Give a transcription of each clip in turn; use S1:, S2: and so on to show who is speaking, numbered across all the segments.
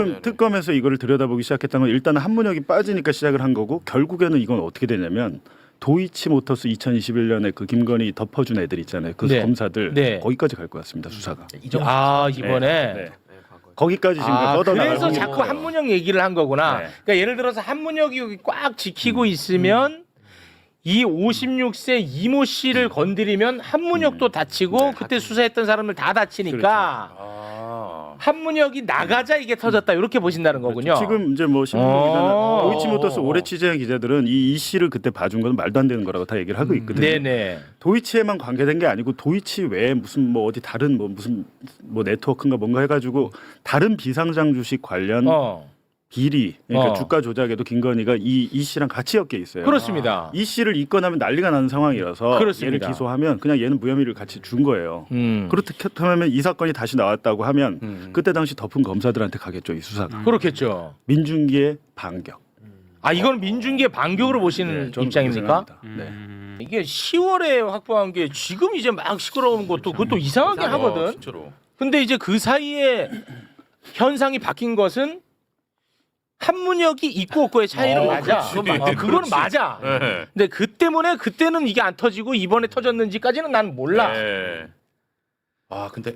S1: 특검에서 이거를 들여다보기 시작했던 건 일단 한문혁이 빠지니까 시작을 한 거고 결국에는 이건 어떻게 되냐면 도이치모터스 2021년에 그 김건희 덮어준 애들 있잖아요. 그
S2: 네.
S1: 검사들
S2: 네.
S1: 거기까지 갈 것 같습니다. 수사가.
S2: 이번에
S1: 네. 거기까지 지금 뻗어나가고
S2: 그래서
S1: 있는
S2: 자꾸
S1: 거예요.
S2: 한문혁 얘기를 한 거구나.
S1: 네.
S2: 그러니까 예를 들어서 한문혁이 여기 꽉 지키고 있으면 이 56세 이모 씨를 건드리면 한문혁도 다치고 그때 수사했던 사람들 다 다치니까 한문혁이 나가자 이게 터졌다 이렇게 보신다는 거군요.
S1: 지금 이제 뭐 신문 기자나
S2: 어.
S1: 도이치모터스 오래 취재한 기자들은 이 씨를 그때 봐준 건 말도 안 되는 거라고 다 얘기를 하고 있거든요.
S2: 네네.
S1: 도이치에만 관계된 게 아니고 도이치 외에 무슨 뭐 어디 다른 뭐 무슨 뭐 네트워크인가 뭔가 해가지고 다른 비상장 주식 관련 비리 그러니까 주가 조작에도 김건희가 이 씨랑 같이 엮여 있어요.
S2: 그렇습니다.
S1: 이 씨를 입건하면 난리가 나는 상황이라서
S2: 그렇습니다.
S1: 얘를 기소하면 그냥 얘는 무혐의를 같이 준 거예요. 그렇다면 이 사건이 다시 나왔다고 하면 그때 당시 덮은 검사들한테 가겠죠, 이 수사가.
S2: 그렇겠죠.
S1: 민중기의 반격.
S2: 이건 민중기의 반격으로 보시는
S1: 저는
S2: 입장입니까?
S1: 그렇게 생각합니다. 네.
S2: 이게 10월에 확보한 게 지금 이제 막 시끄러운 것도 그것도 이상하게 하거든.
S3: 진짜로.
S2: 근데 이제 그 사이에 현상이 바뀐 것은 한문혁이 있고 없고의 차이는 맞아. 그거는 맞아.
S3: 네.
S2: 근데 그 때문에 그때는 이게 안 터지고 이번에 터졌는지까지는 난 몰라.
S3: 네. 근데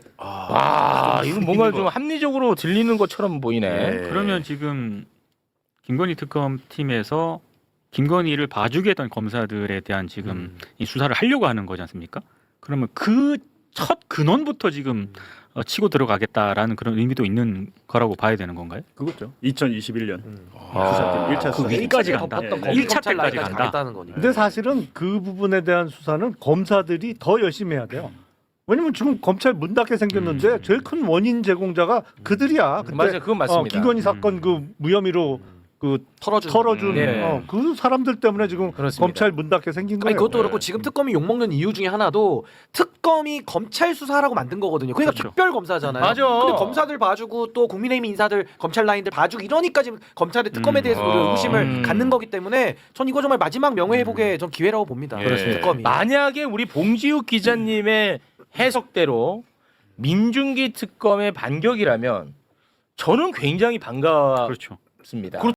S2: 이건 뭔가 좀 합리적으로 들리는 것처럼 보이네.
S3: 네.
S4: 그러면 지금 김건희 특검 팀에서 김건희를 봐주게 했던 검사들에 대한 지금 이 수사를 하려고 하는 거지 않습니까? 그러면 그 첫 근원부터 지금 치고 들어가겠다라는 그런 의미도 있는 거라고 봐야 되는 건가요?
S1: 그거죠. 2021년 수사 때 1차 수사.
S4: 여기까지 간다.
S1: 네.
S4: 1차 때까지 간다.
S5: 근데 사실은 그 부분에 대한 수사는 검사들이 더 열심히 해야 돼요. 왜냐면 지금 검찰 문 닫게 생겼는데 제일 큰 원인 제공자가 그들이야. 그때
S2: 맞아요, 그건 맞습니다.
S5: 김건희 사건 그 무혐의로 그 털어준
S2: 네.
S5: 그 사람들 때문에 지금
S2: 그렇습니다.
S5: 검찰 문 닫게 생긴 거예요.
S6: 아니 그것도 그렇고 지금 특검이 욕먹는 이유 중에 하나도 특검이 검찰 수사라고 만든 거거든요. 그러니까
S4: 그렇죠.
S6: 특별 검사잖아요.
S2: 맞아.
S6: 근데 검사들 봐주고 또 국민의힘 인사들 검찰 라인들 봐주고 이러니까 지금 검찰의 특검에 대해서 의구심을 갖는 거기 때문에 전 이거 정말 마지막 명예 회복의 전 기회라고 봅니다.
S3: 그렇습니다.
S6: 특검이.
S2: 만약에 우리 봉지욱 기자님의 해석대로 민중기 특검의 반격이라면 저는 굉장히 반갑습니다.
S4: 그렇죠.